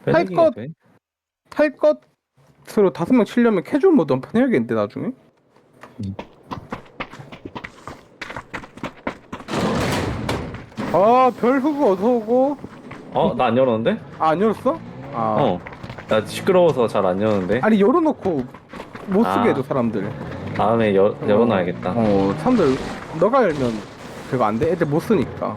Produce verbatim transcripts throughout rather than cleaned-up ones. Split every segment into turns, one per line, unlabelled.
탈
빼내기가
것,
돼?
탈 것으로 다섯 명 치려면 캐주얼 모드 한판 해야겠는데 나중에.
음.
아, 별 후보 어서 오고.
어, 나 안 열었는데?
아, 안 열었어? 아,
어. 나 시끄러워서 잘 안 여는데.
아니 열어놓고 못 쓰게 해줘
아,
사람들.
다음에 열,
어,
열어놔야겠다.
어, 사람들 너가 열면 그거 안 돼. 애들 못 쓰니까.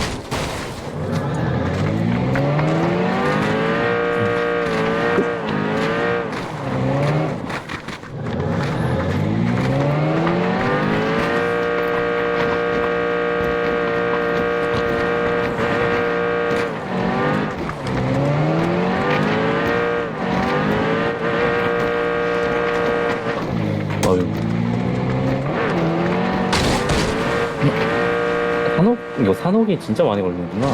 어휴. 산옥, 이거 산옥이 진짜 많이 걸리는구나.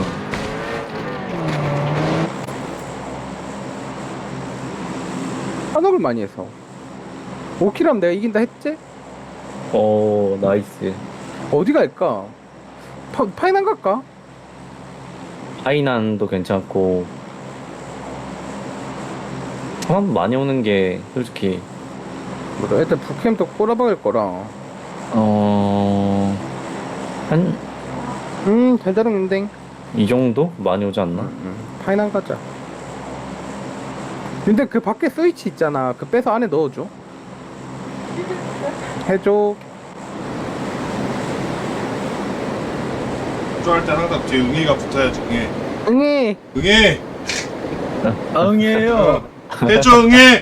산업을 많이 해서. 오 킬하면 내가 이긴다 했지?
어, 나이스.
어디 갈까? 파, 파이난 갈까?
하이난도 괜찮고. 사람 많이 오는 게 솔직히,
뭐라 애들 북캠도 꼬라박을 거라.
어, 한,
음, 달달한데.
이 정도? 많이 오지 않나?
음, 파이난 가자. 근데 그 밖에 스위치 있잖아. 그 빼서 안에 넣어줘. 해줘.
조할 때 항상 뒤에 응애가 붙어야지. 응애.
응애.
응애.
응이에요.
해줘 응애.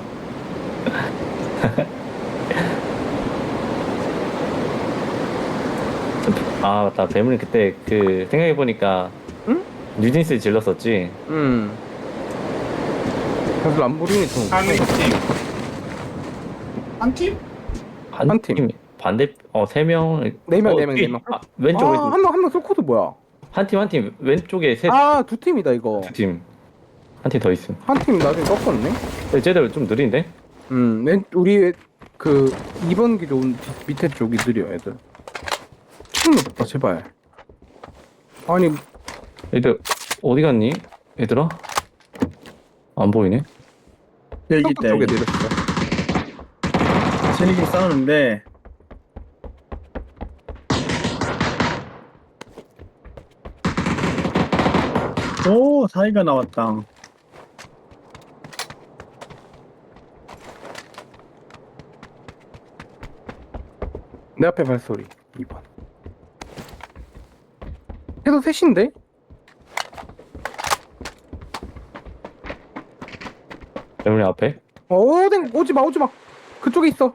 아, 맞다. 배문이 그때 그, 생각해보니까,
응?
뉴진스 질렀었지?
음. 사실 안 부리니 좀.
한 팀. 한 팀?
반,
한 팀.
반대, 어, 세 명.
네 명,
어,
네 명,
뒤-
네 명.
아, 왼쪽,
아,
왼쪽.
한 명, 한 명 쏠코드 뭐야?
한 팀, 한 팀. 왼쪽에 셋,
아, 두 팀이다, 이거.
두 팀. 한 팀 더 있음.
한 팀 나중에 꺾었네.
근데 쟤들 좀 느린데?
음, 맨, 우리 그 이 번 기로 온 뒤- 밑에 쪽이 느려, 애들. 총 높다, 제발. 아니,
얘들, 어디 갔니? 얘들아? 안 보이네?
여기
쪽
있다
쪽에
여기.
내렸어.
쟤네끼리 싸우는데 오 사이가 나왔다.
내 앞에 발소리. 이 번. 해도 셋인데?
배문이 앞에?
어, 댕, 오지 마, 오지 마. 그쪽에 있어.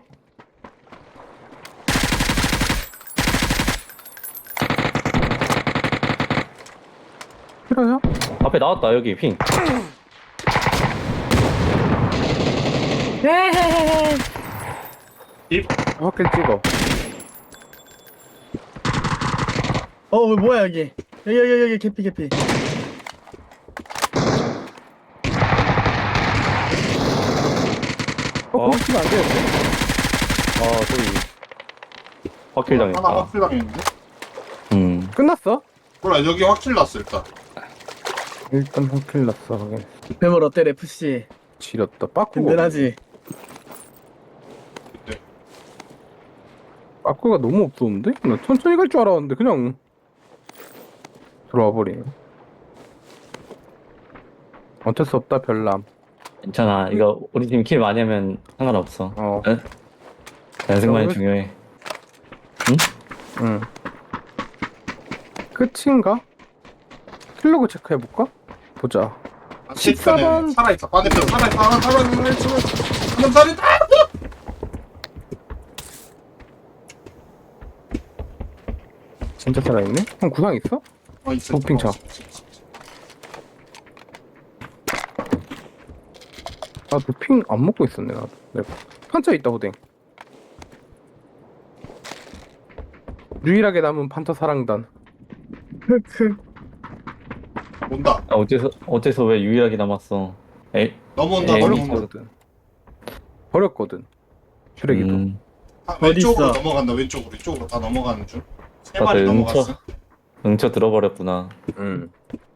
싫어요?
앞에 나왔다, 여기, 핑.
입.
확킬 찍어.
어 뭐야 여기 여기 여기 여기 개피 개피.
어,
어?
거기 치면 안 되는데?
아, 소리. 확킬
하나
당했다.
확킬 당했는데?
음.
끝났어?
몰라 여기 확킬 났어 일단.
일단 확킬 났어. 확인.
배멀 어때 레프씨?
지렸다. 빠꾸가.
든든하지?
그때.
빠꾸가 너무 없었는데? 나 천천히 갈 줄 알았는데 그냥 들어와 버리네. 어쩔 수 없다 별남.
괜찮아. 이거 우리 팀 킬 많이 하면 상관없어.
어.
응? 연승만이
그래?
중요해.
응. 끝인가? 킬로그 체크해볼까? 보자. 십사 번.
살아있어. 반대편 살아있어. 하나 살아있어. 살아있어. 한명 살아있다.
진짜 살아있네? 형 구상 있어?
어 있어.
도핑차. 나도 핑 안 먹고 있었네 나도. 내가. 판차 있다 호댕. 유일하게 남은 판차 사랑단.
흑흑.
온다.
아, 어째서 어째서 왜 유일하게 남았어? 에이.
넘어온다.
에이,
넘어온다.
버렸거든. 버렸거든. 쓰레기도.
음,
아,
어디
왼쪽으로
있어?
넘어간다. 왼쪽으로. 이쪽으로 다 넘어가는 중. 세
다들
마리
응쳐
넘어갔어.
응쳐 들어버렸구나.
응.